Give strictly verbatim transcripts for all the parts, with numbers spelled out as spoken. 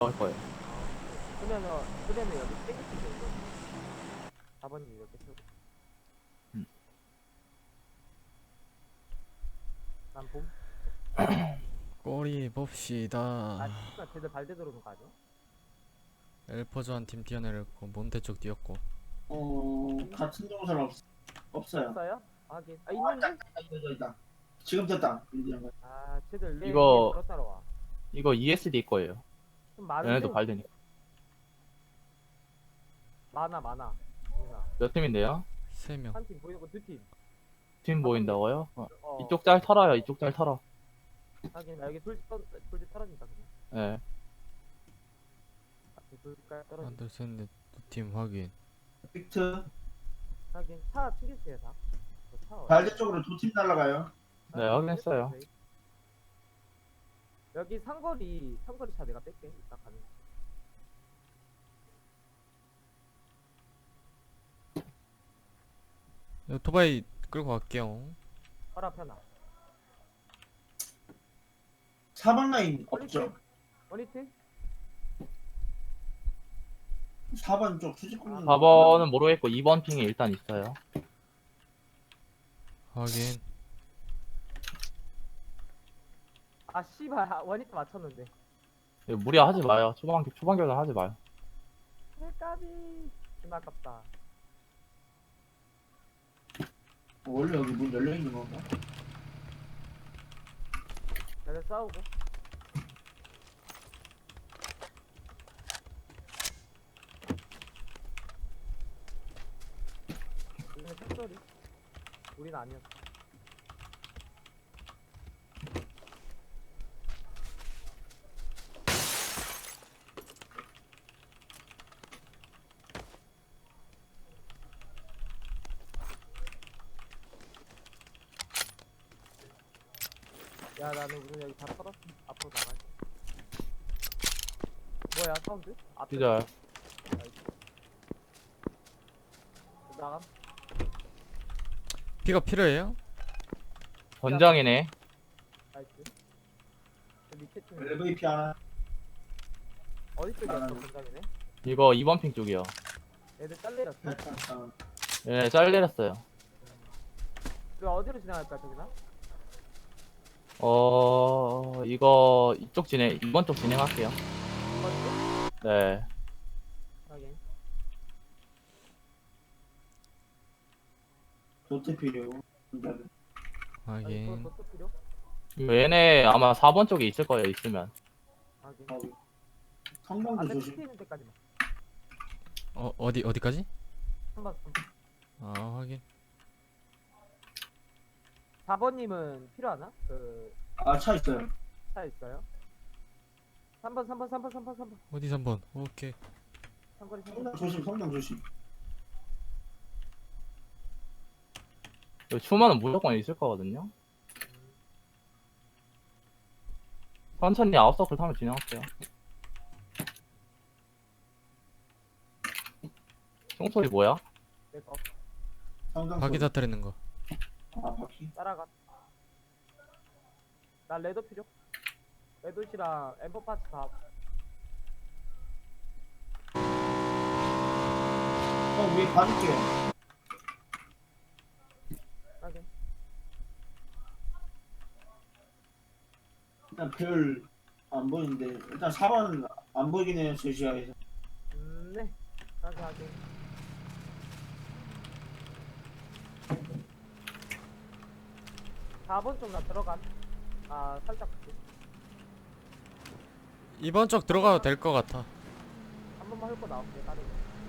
할 거예요. 그러면은 그러면 여기 땡기시죠 이거. 사 번님 이렇게 쓰고. 음. 난 봄. 꼬리 봅시다. 아 진짜 쟤들 발대 들어오는 거 아니야? 엘퍼즈 한 팀 뛰어내렸고 몬테 쪽 뛰었고. 어 같은 동선 없 없어요. 없어요? 하긴. 아 아, 있는데? 있다, 있다, 있다, 있다. 지금 됐다. 이제 아 쟤들 내 이거- 위에 따라와. 이거 이에스디 거예요. 좀 많은데? 얘네도 발되니까. 많아 많아. 그러니까 몇 팀인데요? 세 명. 한 팀 보이는 거 두 팀. 팀 보인다고요? 어, 어. 이쪽 짤 털어요. 이쪽 짤 털어. 하긴 나 여기 돌집 떨 돌집 떨어진다 그냥. 예. 앞에 돌집까지 떨어진. 하나 둘셋넷 두 팀 확인. 빅트 하긴 차 튕겼어요 다. 저 차. 어디- 발대 쪽으로 두 팀 날아가요. 네, 확인했어요. 여기 상거리 상거리 차 내가 뺄게. 이따 가는. 오토바이 끌고 갈게요. 허라 편하. 사 번 라인 없죠. 원히트? 사 번 쪽 수직 공간. 사 번은 모르겠고 이 번 핑에 일단 있어요. 확인. 아 씨발 아, 원히트 맞췄는데. 이거 무리하지 마요. 초반 초반 결단 하지 마요. 헬까비. 좀 아깝다. 원래 여기 문 열려 있는 건가? 쟤네 싸우고. 우리는 특소리. 우린 아니었어. 야 나는 우리 여기 다 털었어. 앞으로 나가자. 뭐야 사운드? 앞에 진짜 나감. 피가 필요해요? 권장이네. 나이스. 저 밑에 팀 엘브이피 하나. 어디 쪽이었어 아, 본장이네? 이거 이 번 핑 쪽이요. 애들 잘리렸어? 아, 예, 짤 내렸어요. 그 어디로 지나갈까 저기나? 어, 이거 이쪽 진행, 이 번 쪽 진행할게요. 이번 쪽? 네. 확인. 도트 필요. 아니, 확인. 또, 또, 또 필요? 이거 얘네 아마 사 번 쪽에 있을 거예요. 있으면. 확인. 어, 성당도 안에 조심. 끝에 있는 데까지만. 어 어디 어디까지? 한번 아 확인. 사 번님은 필요하나? 그 아, 차 있어요. 차 있어요? 삼 번, 삼 번, 삼 번, 삼 번, 삼 번. 어디 삼 번. 오케이. 삼거리 삼 번. 성당 조심, 성당 조심. 이거 추마는 무조건 있을 거거든요. 천천히 아웃서클 타면 진행할게요. 총소리 뭐야? 내거 성당 바퀴 소리. 다트리는 거. 아, 바퀴. 따라가. 나 레드 필요? 레드시랑 엠버 파츠 다. 형 위에 봐줄게요. 확인. 일단 별 안 보이는데 일단 사 번 안 보이긴 해요. 제 시야에서. 음, 네. 확인, 확인. 사 번 쪽 나 들어간. 아, 살짝 볼게. 이번 쪽 들어가도 될 것 같아. 한 번만 훑고 나올게, 다른 거.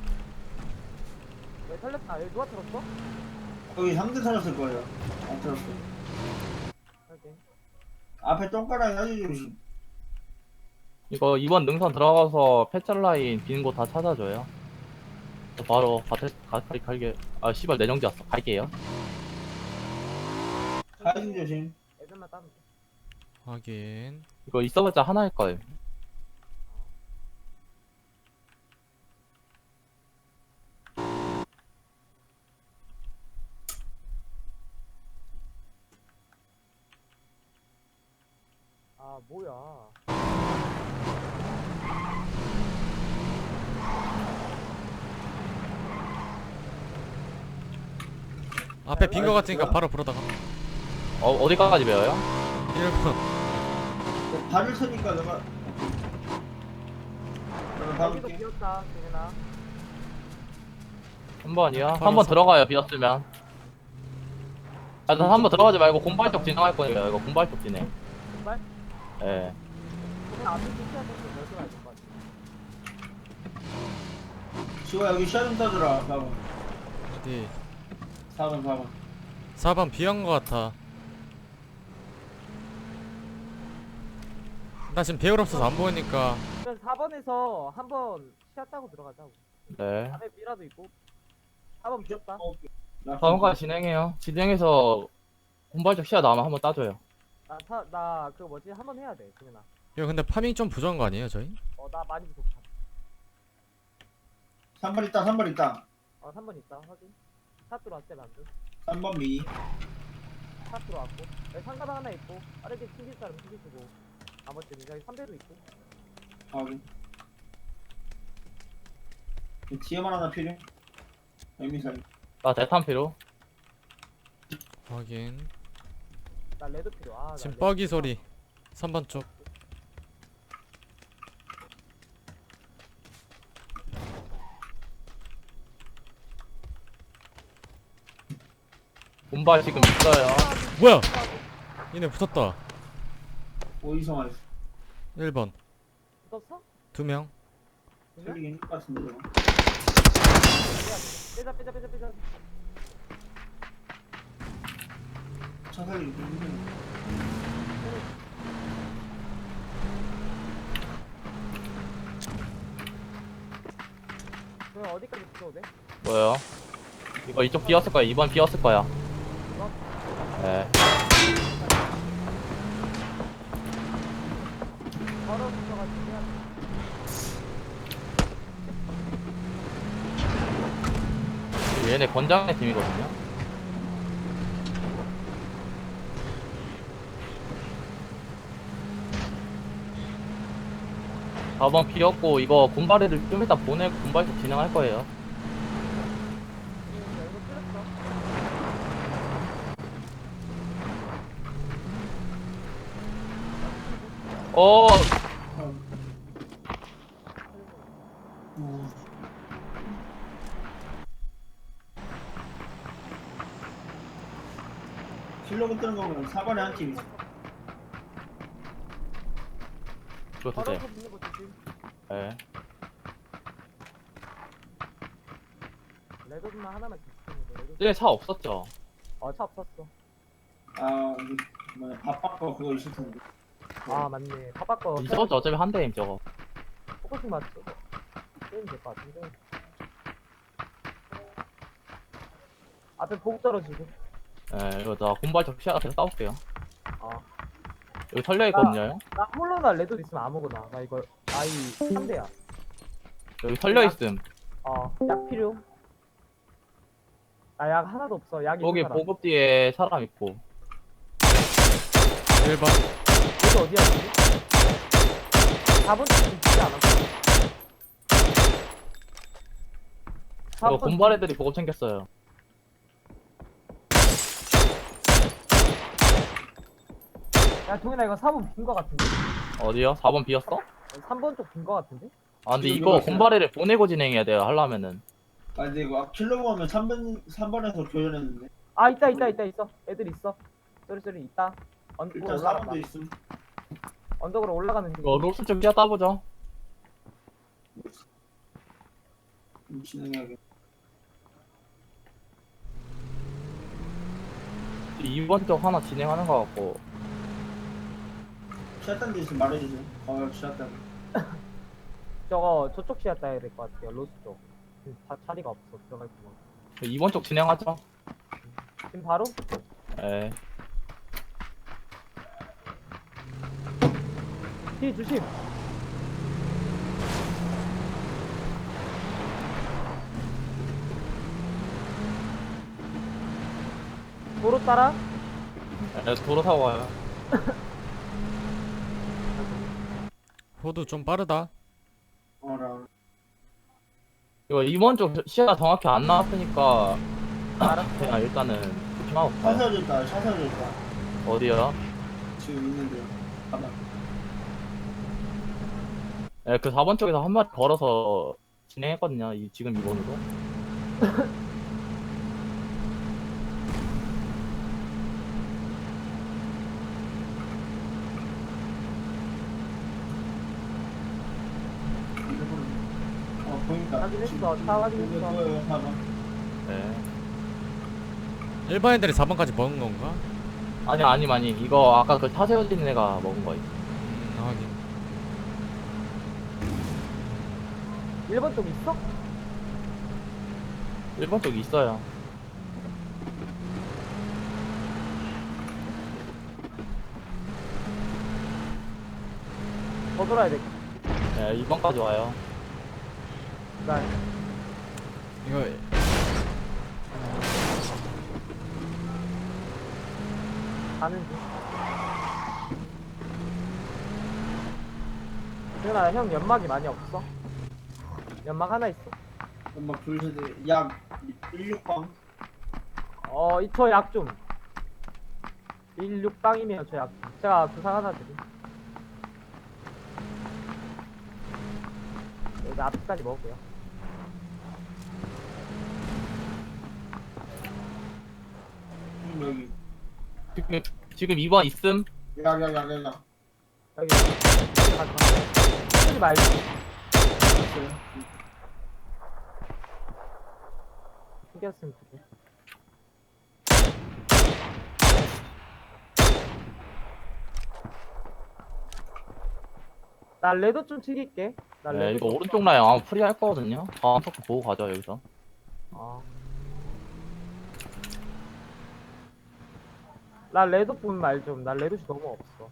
왜 살렸다? 여기 누가 들었어? 여기 상대 살았을 거예요. 안 살았어요. 확인. 앞에 똥가락이 아주 조심. 이거 이번 능선 들어가서 패짤 라인 비는 곳 다 찾아줘요. 저 바로 밭에 가까이 갈게. 아 씨발 내정지 왔어. 갈게요. 가이드 조심. 애들만 따면 돼. 확인. 이거 있어봤자 하나일 거예요. 아, 뭐야. 앞에 빈 거 같으니까 바로 불어다가. 어, 어디까지 배워요? 일 번. 어, 발을 서니까 내가 내가 여기도 박을게. 비었다 재민아. 한 번이요? 바로 한 번 서- 들어가요, 비었으면. 아, 한 번 들어가지 말고 공발 쪽 진행할 거예요. 이거 공발 쪽 진행. 정말? 예. 그냥 앞에 비켜야 될것 같아. 지호야 여기 시야 좀 따주라. 사 번. 어디? 사 번 사 번. 사 번 비한 거 같아. 나 지금 배열 없어서 안 보이니까. 그래서 사 번에서 한번 시야 따고 들어가자고. 네. 앞에 미라도 있고. 사 번 비었다. 어, 나 사 번까지 진행해요. 진행해서 공발 쪽 시야 나오면 한번 따줘요. 나나 그거 뭐지 한 번 해야 돼 재민아. 이거 근데 파밍 좀 부족한 거 아니에요 저희? 어 나 많이 부족함. 삼 번 있다. 삼 번 있다. 어 삼 번 있다 확인. 차 들어왔대 만두. 삼 번 미. 차 들어왔고. 여기 상가방 하나 있고. 빠르게 튕길 사람 튕기시고. 나머지는 여기 삼 배도 있고. 확인. 뒤에만 하나 필요해. 에미사이. 나 대탄 필요. 확인. 나 레드 필요. 아, 나 지금 레드 뻐기 필요. 소리. 삼 번 쪽. 공발 지금 있어요. 뭐야? 얘네 붙었다. 어디서 말했어? 일 번. 붙었어? 두 명. 그냥? 틀리긴 할 것 같은데 저거. 빼자 빼자 빼자 빼자. 차 살리기 좀 힘드네. 그럼 어디까지 붙어도 돼? 뭐요? 이거 이쪽 비었을 거야. 이번 비었을 거야. 이거? 네. 바로 붙어가지고 해야 돼. 얘네 권장의 팀이거든요. 사 번 비었고 이거 군발이를 좀 이따 보내고 군발 쪽 진행할 거예요. 응, 나 이거 틀렸어. 어, 우. 킬로그 뜨는 거 보면 사 번에 한 팀 있어. 이거 바로 드세요. 서 붙는 거 조심. 네. 레드만 하나만 지키는데 레드. 이제 차 없었죠? 어차 없었어. 아 이게 뭐야 밥바꿔 그거 있을 텐데. 아 맞네. 바빠꺼. 있었죠. 어차피 한 대임 저거. 포커싱 맞죠? 게임 될것 같은데. 앞에 보급 떨어지고. 네, 이거 나 군발 쪽 시야가 계속 싸울게요. 아. 여기 털려 있거든요. 나 홀로나 레드 있으면 아무거나. 나 이거 아이 삼 대야. 여기 털려 있음. 어. 약 필요. 나 약 하나도 없어. 약 여기 있는 사람. 보급 뒤에 사람 있고. 일 번. 여기 어디야 지금? 사 번 지금 주지 않았어. 이거 군발 애들이 보급 챙겼어요. 야 동현아 이거 사 번 빈 거 같은데? 어디요? 사 번 비었어? 삼 번 쪽 빈 거 같은데? 아 근데 지금 이거 이거 군발애를 보내고 진행해야 돼요. 하려면은. 아 근데 이거 킬로그 하면 삼 번 삼 번에서 교전했는데. 아 있다 있다 있다 있어. 애들 있어. 쏘리 쏘리 있다. 언, 일단 사 올라간다. 번도 있음. 언덕으로 올라가는 중. 이거 롤스 좀 시야 따보죠. 좀 진행해야겠. 이 번 쪽 하나 진행하는 거 같고. 시야딴 데 있으면 말해주세요. 어 시야딴. 저거 저쪽 시야 따야 될 것 같아요. 로스 쪽. 지금 자, 자리가 없어. 들어갈 구멍. 이 번 쪽 진행하죠. 지금 바로? 예. 뒤 조심. 도로 따라. 예, 도로 타고 가요. 호두 좀 빠르다. 어라. 이거 이 번 쪽 시야 정확히 안 나왔으니까 알았어. 그냥 일단은 조심하고 차 가요. 세워져 있다. 차 세워져 있다. 어디요? 지금 있는데. 가만. 예, 그 사 번 쪽에서 한 마리 걸어서 진행했거든요. 이, 지금 이 번으로. 어 보인다. 확인했어. 차 확인했어. 보여요. 사번. 네. 일반 애들이 사 번까지 먹은 건가? 아니, 아니, 아니. 이거 아까 그 차 세워진 애가 먹은 거예요. 음, 하긴. 일 번 쪽 있어? 일 번 쪽에 있어요. 더 돌아야 돼. 네, 이 번까지 와요. 나 이거 가는 중. 재현아, 형 연막이 많이 없어? 연막 하나 있어. 엄마 둘셋 약 십육 방. 어, 이 저 약 좀. 십육 방이면 저 약. 제가 부상 하나 드림. 여기 앞까지 먹을게요. 여기. 지금, 지금 이 번 있음? 약약약약 여기. 여기 가지 마. 쓰지 말고. 있어요. 튕겼으면 두 개. 나 레드 좀 튀길게. 나 네, 레드 이거 좀- 오른쪽 라인 아마 프리 할 거거든요. 다음 토크 보고 가죠, 여기서. 어. 나 레드 보면 말 좀. 나 레드시 너무 없어.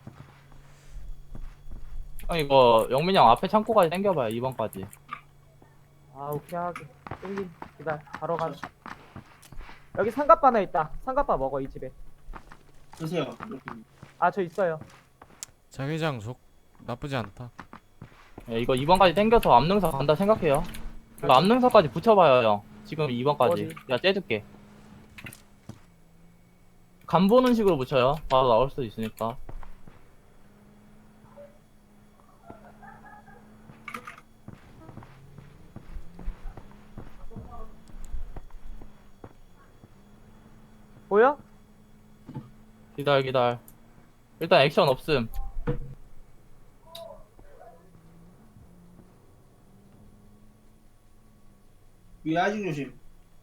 형, 이거 영민이 형 앞에 창고까지 당겨봐요, 이 번까지. 아, 오케이 하게. 땡김. 기다려. 바로 가. 여기 삼각바 하나 있다. 삼각바 먹어, 이 집에. 드세요. 아, 저 있어요. 자기장 속 나쁘지 않다. 네, 이거 이 번까지 당겨서 앞능선 간다 생각해요. 이거 앞능선까지 붙여봐요, 형. 지금 이 번까지. 어디? 내가 째줄게. 간 보는 식으로 붙여요. 바로 나올 수도 있으니까. 보여? 기다려, 기다려. 일단 액션 없음. 위에 아직 조심.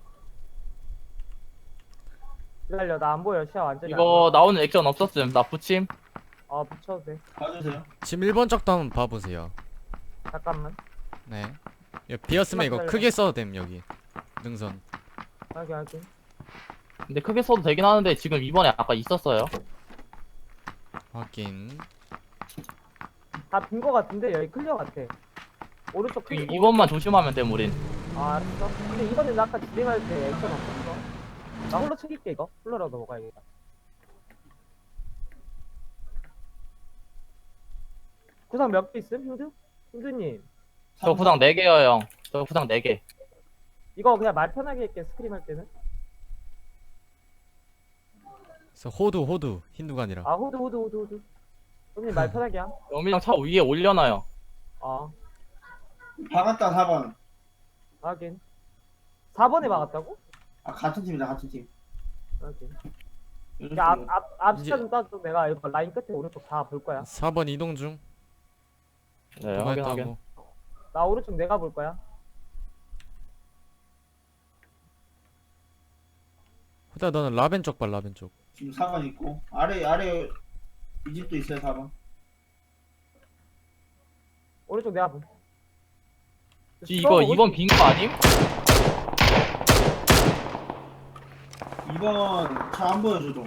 기다려. 나 안 보여. 시야 완전히 안 이거 보여. 나오는 액션 없었음. 나 붙임. 어, 붙여도 돼. 봐주세요. 지금 일 번 쪽도 한번 봐보세요. 잠깐만. 네. 이거 비었으면 이거 기다려. 크게 써도 됨 여기. 능선. 확인, 확인. 근데 크게 써도 되긴 하는데 지금 이번에 아까 있었어요. 확인. 다 빈 거 같은데? 여기 클리어 같아. 오른쪽 이, 클리어. 이번만 조심하면 돼, 우린. 아, 알았어. 근데 이번엔 나 아까 진행할 때 액션 없었어. 나 홀로 챙길게, 이거. 홀로라도 먹어야겠다. 구상 몇 개 있음, 형주? 형주님. 저 구상 네 개요, 형. 저 구상 네 개. 이거 그냥 말 편하게 할게, 스크림 할 때는. 그래서 호두 호두 힌두가 아니라. 아, 호드, 호드, 호드, 호드. 형님 말 편하게 함. 영민 형 차 위에 올려놔요. 어, 박았다 사 번. 확인. 사 번에 막았다고? 아 같은 팀이다 같은 팀. 확인. 이런 야, 앞, 식으로. 앞, 앞 이제- 시차 좀 따줘. 내가 이거 라인 끝에 오른쪽 다 볼 거야. 사 번 이동 중. 네, 누가 확인, 확인. 했다고. 나 오른쪽 내가 볼 거야. 후다 너는 라벤 쪽 봐, 라벤 쪽. 지금 사 번 있고 아래 아래 이 집도 있어요 사 번. 오른쪽 내가 볼. 지 이거 이번 빈 거 아님? 이 번 차 안 보여줘도.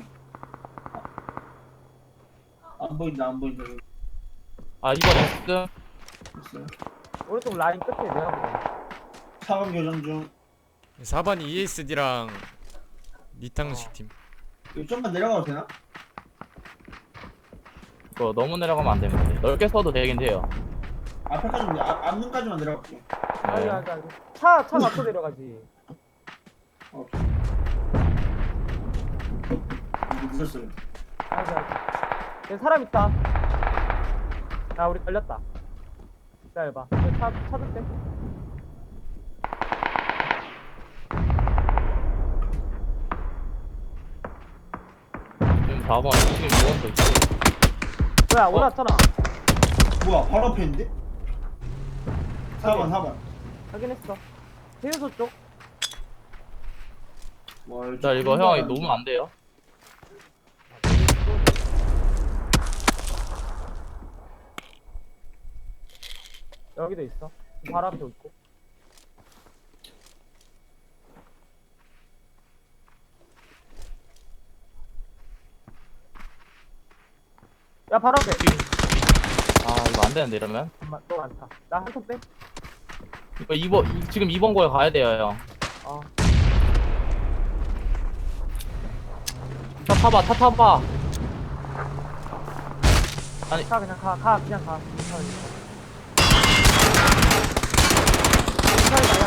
안 보인다 안 보인다. 여기 아, 이번 있음. 있어요. 오른쪽 라인 끝에 내가 볼 거야. 사 번 교정 중. 사 번이 이에스디랑 니탕식 팀. 이거 좀만 내려가도 되나? 이거 너무 내려가면 안 됩니다. 넓게 써도 되긴 돼요. 앞에까지만 앞 앞문까지만 내려갈게. 아니, 네. 아니, 아니. 차, 차 맞춰 내려가지. 어. 이거 늦었어요. 아이고 아이고. 여기 사람 있다. 야 우리 걸렸다. 기다려봐. 여기 차 찾을 때. 지금 사 번 지금 이 번도 있고. 뭐야 올라왔잖아. 뭐야, 바로 앞에 있는데? 사 번, 사 번. 확인했어. 해유소 쪽. 와, 자 이거 형 이거 놓으면 안 돼요. 여기도 있어. 바로 앞에 있고. 야 바로 앞에. 아 이거 안 되는데 이러면. 잠깐만 또 많다. 나 한 손 빼. 이거 이 번 이- 지금 이 번 거에 가야 돼요 형. 어. 차 타봐 차 타봐. 아니 가 그냥 가. 가 그냥 가. 괜찮으니까. 괜찮으니까